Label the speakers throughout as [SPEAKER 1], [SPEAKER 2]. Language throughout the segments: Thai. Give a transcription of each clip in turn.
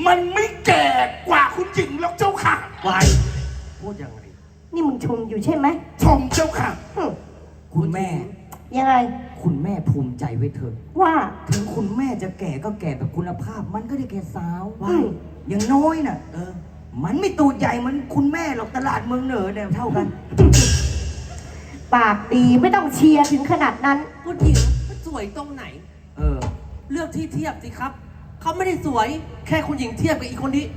[SPEAKER 1] มันไม่แก่กว่าคุณหญิงหรอกเจ้าค่ะ
[SPEAKER 2] วายพูดยังไง
[SPEAKER 3] นี่มึงชมอยู่ใช่ไหม
[SPEAKER 1] ชมเจ้าค่ะ
[SPEAKER 2] คุณแม่
[SPEAKER 3] ยังไง
[SPEAKER 2] คุณแม่ภูมิใจไว้เถอะ
[SPEAKER 3] ว่า
[SPEAKER 2] ถึงคุณแม่จะแก่ก็แก่แบบคุณภาพมันก็ได้แก่สาวอย่างน้อยน่ะมันไม่ตูดใหญ่เหมือนคุณแม่หรอกตลาดเมืองเหนือเนี่ยเท่ากัน
[SPEAKER 3] ปากดีไม่ต้องเชียร์ถึงขนาดนั้น
[SPEAKER 4] ผู้หญิงมันสวยตรงไหนเลือกที่เทียบสิครับเขาไม่ได้สวยแค่คุณหญิงเทียบกับอีกคนนี้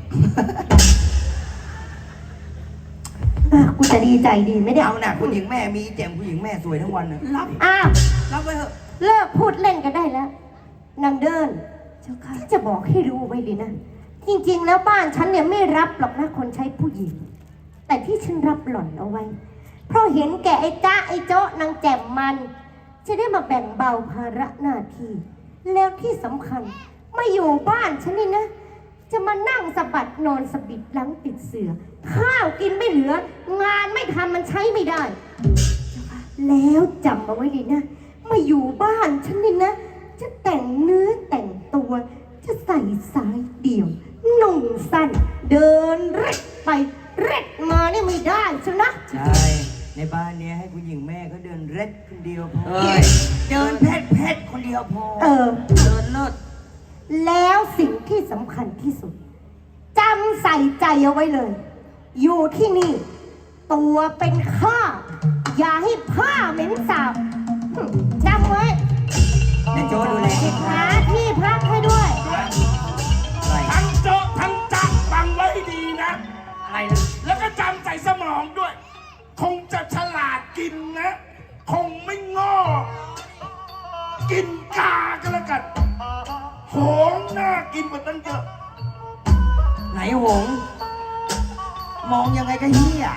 [SPEAKER 3] กูจะดีใจดีไม่ได้
[SPEAKER 2] เอาหน่ะคุณหญิงแม่มีแจ่มคุณหญิงแม่สวยทั้งวันนะ
[SPEAKER 4] รับไว้เถอะ
[SPEAKER 3] เลิกพูดเล่นกันได้แล้วนางเดินเจ้าค่ะที่จะบอกให้รู้ไว้เลยนะจริงๆแล้วบ้านฉันเนี่ยไม่รับหรอกนะคนใช้ผู้หญิงแต่ที่ฉันรับหล่อนเอาไว้เพราะเห็นแก่ไอ้จ้าไอ้โจ๊ะนางแจ่มมันจะได้มาแบ่งเบาภาระหน้าที่แล้วที่สำคัญมาอยู่บ้านฉันนี่นะจะมานั่งสะบัดนอนสะบิดหลังติดเสือข้าวกินไม่เหลืองานไม่ทำมันใช้ไม่ได้แล้วจำเอาไว้เลยนะมาอยู่บ้านฉันนี่นะจะแต่งเนื้อแต่งตัวจะใส่สายเดี่ยวนุ่งสั้นเดินเร็ดไปเร็ดมานี่ไม่ได้ใช่ไหม
[SPEAKER 2] ใช่ในบ้านเนี้ยให้คุณหญิงแม่ก็เดินเร็ดคนเดียวพอเดินแพทคนเดียวพอ
[SPEAKER 4] เดินเลิศ
[SPEAKER 3] แล้วสิ่งที่สำคัญที่สุดจำใส่ใจเอาไว้เลยอยู่ที่นี่ตัวเป็นข้าอย่าให้ผ้าเหม็นสาบจำไว้
[SPEAKER 2] ในโจ้ดูแล
[SPEAKER 3] หาที่พักให้ด้วย
[SPEAKER 1] ทั้งโจ๊ะทั้งจักฟังไว้ดีนะ
[SPEAKER 4] อะไรนะ
[SPEAKER 1] แล้วก็จำใส่สมองด้วยคงจะฉลาดกินนะคงไม่งอกินกาก็แล้วกันหงน่ากินกว่าตั้งเยอะ
[SPEAKER 2] ไหนหงมองยังไงก็เฮีย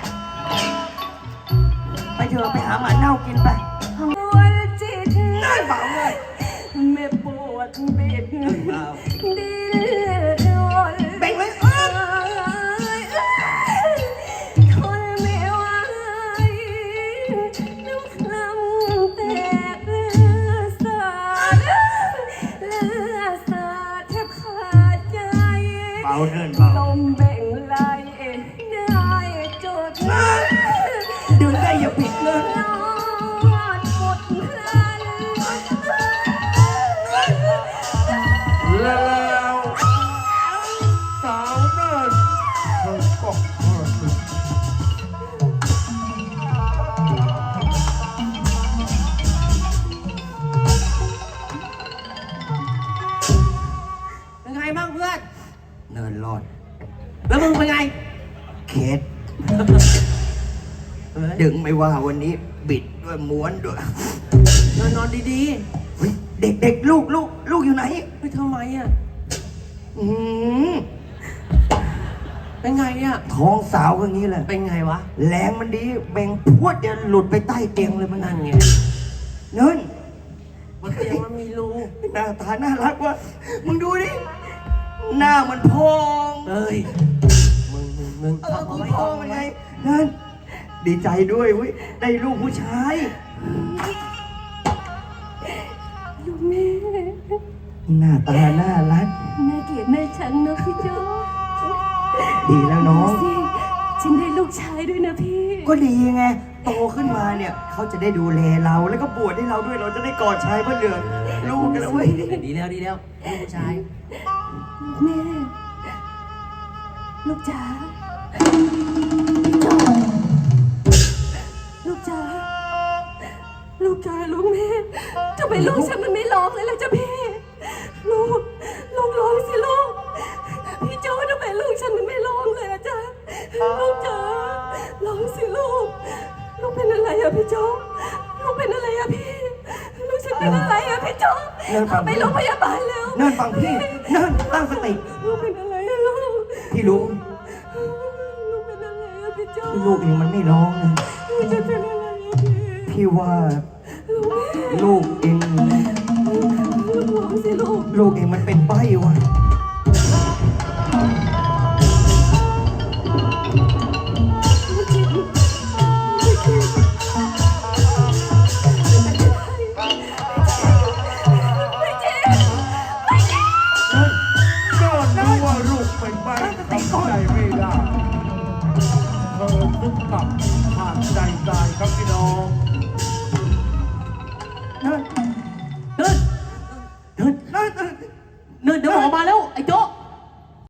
[SPEAKER 2] ไปเถอะไปหาหมาเน่ากินไปน่าเบาเลย
[SPEAKER 3] ไม่ปวดเบ็ดดิ้น
[SPEAKER 2] เบ่งเลย
[SPEAKER 3] ทนไม่ไหวน้ำคลำแตกเลือดสาดแทบขาดใจ
[SPEAKER 2] เบาเดินเบา
[SPEAKER 3] ลมแบ่งลายได้จด
[SPEAKER 2] ดูได้อย่าปิดเลย
[SPEAKER 1] แล้วสาวเนินเธอก็
[SPEAKER 4] เป็นไงบ้างเพื่อน
[SPEAKER 2] เนินรอด
[SPEAKER 4] แล้วมึงเป็นไง
[SPEAKER 2] เคสดึงไม่ว่าวันนี้บิดด้วยม้วนด้วย
[SPEAKER 4] นอนดี
[SPEAKER 2] ๆเด็กลูกอยู่ไหน
[SPEAKER 4] ไม่ทำไมอ่ะเป็นไงอ่ะ
[SPEAKER 2] ท้องสาวอย่างนี้แหละ
[SPEAKER 4] เป็นไงวะ
[SPEAKER 2] แรงมันดีแบ่งพวดเดี๋ยวหลุดไปใต้เตียงเลยมันนั่นไงเนิน
[SPEAKER 4] บนเตียงมันมีรู
[SPEAKER 2] หน้าตาน่ารักว่ะมึงดูดิหน้ามันพอง
[SPEAKER 4] มึง
[SPEAKER 2] กูพองยังไงนั่นดีใจด้วยเว้ยได้ลูกผู้ชาย
[SPEAKER 3] ลูกแม่
[SPEAKER 2] หน้าตาน่ารัก
[SPEAKER 3] แม่เกลียดแม่ฉันนะพี่โจ้
[SPEAKER 2] ดีแล้วน้อง
[SPEAKER 3] ฉันได้ลูกชายด้วยนะพี่
[SPEAKER 2] ก็ดีไงโตขึ้นมาเนี่ยเขาจะได้ดูแลเราแล้วก็บวชให้เราด้วยเราจะได้กอดชายพระเหลืองลูกกันแล้วเว้ย
[SPEAKER 4] ดีแล้วลูกผู้ชาย
[SPEAKER 3] แม่ลูกจ๋าลูกจ๋าลูกแม่ทำไมลูกฉันมันไม่ร้องเลยล่ะจ๊ะพี่ลูกร้องสิลูกพี่โจ้ทำไมลูกฉันมันไม่ร้องเลยล่ะจ๊ะลูกจ๋าร้องสิลูกเป็นอะไรอะพี่โจ้ลูกเป็นอะไรอะพี่ลูกฉันเป็นอะไรอะพี่โจ้ไปโรงพยาบาลแล้ว
[SPEAKER 2] เนินฟังพี่เนินตั้งสติ
[SPEAKER 3] ลูกเป็นอะไรอะลูก
[SPEAKER 2] พี่รู้
[SPEAKER 3] ลูกเป็นอะไรอะพี่โจ้
[SPEAKER 2] ลูกเองมันไม่ร้องนะ
[SPEAKER 3] ลูกจะเป็นอะไรอะ
[SPEAKER 2] พี่ว่าลูกเองลูกเองมันเป็นใบ้วะ
[SPEAKER 1] ก็รู้ว่าลูกเป็นได้เธอซึกกลับผ่านใจตายครับพี่น้อง
[SPEAKER 2] เดินเดินเดินเดิน